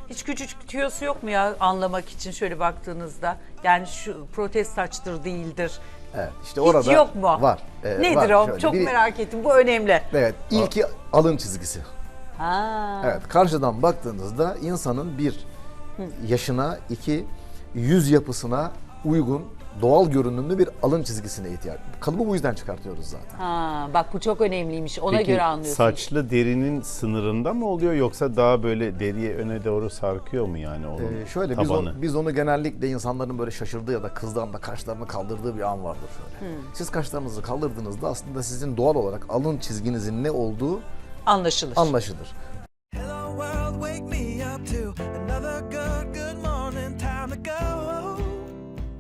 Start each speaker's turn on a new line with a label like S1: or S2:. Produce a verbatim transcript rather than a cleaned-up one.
S1: Hiç küçük tüyosu yok mu ya anlamak için şöyle baktığınızda? Yani şu protez saçtır değildir.
S2: Evet, işte
S1: Hiç
S2: orada
S1: yok mu?
S2: var. Ee,
S1: Nedir
S2: var.
S1: o?
S2: Şöyle,
S1: Çok
S2: biri-
S1: merak ettim. Bu önemli.
S2: Evet, ilki alın çizgisi.
S1: Ha.
S2: Evet, karşıdan baktığınızda insanın bir yaşına, iki yüz yapısına uygun, doğal görünümlü bir alın çizgisine ihtiyaç. Kalıbı bu yüzden çıkartıyoruz zaten.
S1: Ha, bak bu çok önemliymiş. Ona
S3: Peki
S1: göre anlıyorsun.
S3: saçlı derinin sınırında mı oluyor yoksa daha böyle deriye öne doğru sarkıyor mu yani onun
S2: Ee, şöyle biz,
S3: tabanı?
S2: o- biz onu genellikle insanların böyle şaşırdığı ya da kızdığında kaşlarını kaldırdığı bir an vardır şöyle. Siz kaşlarınızı kaldırdığınızda aslında sizin doğal olarak alın çizginizin ne olduğu
S1: Anlaşılır.
S2: anlaşılır.